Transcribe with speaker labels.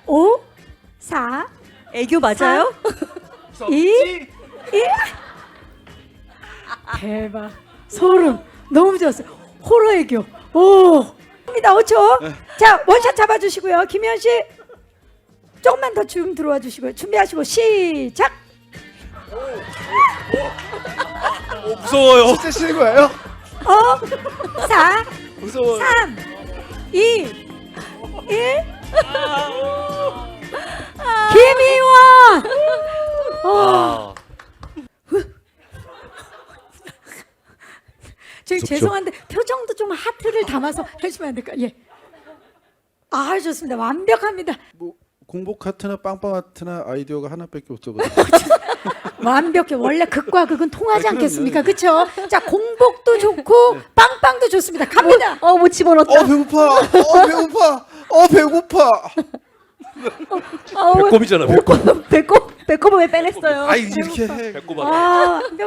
Speaker 1: 5, 4,
Speaker 2: 애교 맞아요?
Speaker 1: 2, 1. 대박. 소름. 너무 좋았어요. 호러 애교. 오. 입니다. 5초. 자, 원샷 잡아주시고요. 김현 씨. 조금만 더 줌 들어와 주시고요. 준비하시고 시작.
Speaker 3: 무서워요.
Speaker 4: 진짜 쉬는 거예요?
Speaker 1: 5, 4,
Speaker 3: 무서워요.
Speaker 1: 3, 2, 1. 김희원.
Speaker 3: 아,
Speaker 1: 저희
Speaker 4: 무섭죠?
Speaker 1: 죄송한데 표정도 좀 하트를 담아서 해주시면 안 될까요? 예. 아 좋습니다. 완벽합니다.
Speaker 4: 뭐 공복 하트나 빵빵 하트나 아이디어가 하나밖에 없어가지고.
Speaker 1: 완벽해. 원래 극과 극은 통하지
Speaker 4: 그럼요.
Speaker 1: 않겠습니까? 그렇죠? 자 공복도 좋고 빵빵도 좋습니다. 갑니다.
Speaker 2: 못 집어넣었다.
Speaker 4: 배고파. 배고파. 배고파.
Speaker 3: 배꼽이잖아. 배꼽.
Speaker 2: 배꼽을 왜 빼냈어요?
Speaker 4: 아이 이렇게 해.
Speaker 3: 배꼽.
Speaker 1: 아